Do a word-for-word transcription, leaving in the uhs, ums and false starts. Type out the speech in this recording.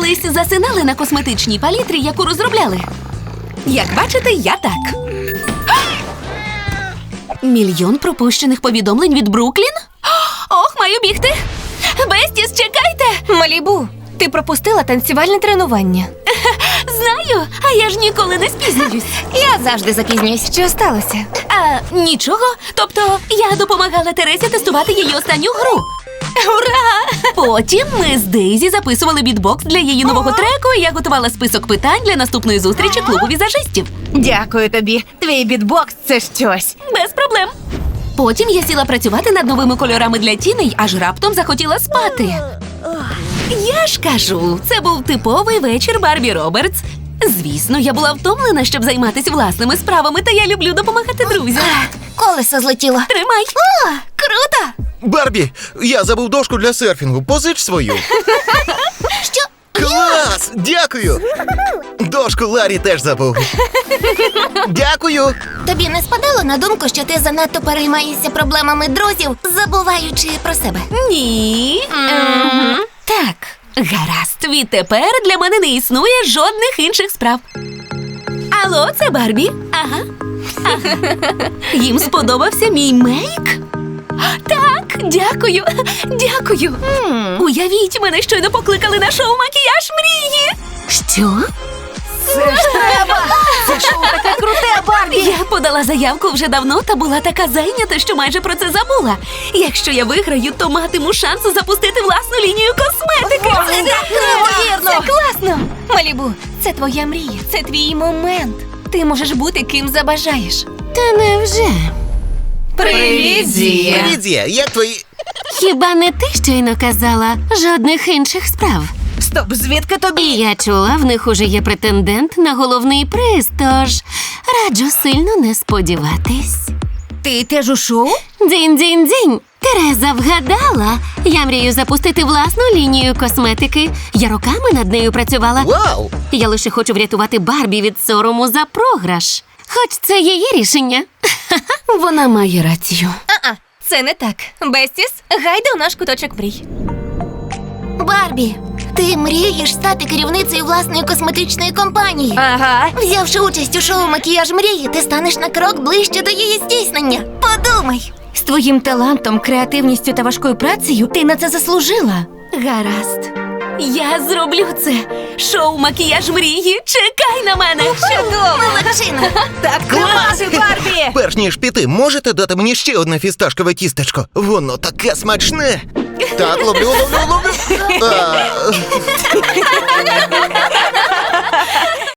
колись засинали на косметичній палітрі, яку розробляли? Як бачите, я так. Мільйон пропущених повідомлень від Бруклін? Ох, маю бігти! Бестіс, чекайте! Малібу, ти пропустила танцювальне тренування. Знаю, а я ж ніколи не спізнююсь. Я завжди запізнююсь. Що сталося? А, нічого. Тобто, я допомагала Тересі тестувати її останню гру. Ура! Потім ми з Дейзі записували бітбокс для її нового треку, і я готувала список питань для наступної зустрічі клубу візажистів. Дякую тобі. Твій бітбокс – це щось. Без проблем. Потім я сіла працювати над новими кольорами для тіней, аж раптом захотіла спати. Я ж кажу, це був типовий вечір Барбі Робертс. Звісно, я була втомлена, щоб займатися власними справами, та я люблю допомагати друзям. Колесо злетіло. Тримай. О, круто! Барбі, я забув дошку для серфінгу. Позич свою. Що? Клас! Дякую! Дошку Ларі теж забув. Дякую! Тобі не спадало на думку, що ти занадто переймаєшся проблемами друзів, забуваючи про себе? Ні. Ем, Так, гаразд. Відтепер для мене не існує жодних інших справ. Алло, це Барбі? Ага. Ага. Їм сподобався мій мейк? Так, дякую, дякую. Уявіть, мене щойно покликали на шоу «Макіяж мрії». Що? Це ж треба! Це шоу таке круте, Барбі! Я подала заявку вже давно та була така зайнята, що майже про це забула. Якщо я виграю, то матиму шанс запустити власну лінію косметики. Це так неймовірно! Це класно! Малібу, це твоя мрія, це твій момент. Ти можеш бути ким забажаєш. Та невже? Привіт, Зія! Привіт, Зія, як твої... Хіба не ти щойно казала жодних інших справ? Стоп, звідки тобі? І я чула, в них уже є претендент на головний приз, тож раджу сильно не сподіватись. Ти теж у шоу? Дзінь-дзінь-дзінь! Тереза вгадала! Я мрію запустити власну лінію косметики. Я роками над нею працювала. Вау! Я лише хочу врятувати Барбі від сорому за програш. Хоч це її рішення. Вона має рацію. А-а, це не так. Бестіс, гайда у наш куточок мрій. Барбі, ти мрієш стати керівницею власної косметичної компанії. Ага. Взявши участь у шоу «Макіяж мрії», ти станеш на крок ближче до її здійснення. Подумай. З твоїм талантом, креативністю та важкою працею ти на це заслужила. Гаразд. Я зроблю це. Шоу «Макіяж мрії». Чекай на мене. Чудово! Молодчина! Так тримати, Барбі! Перш ніж піти, можете дати мені ще одне фісташкове тістечко? Воно таке смачне! Так, ловлю, ловлю, ловлю! А,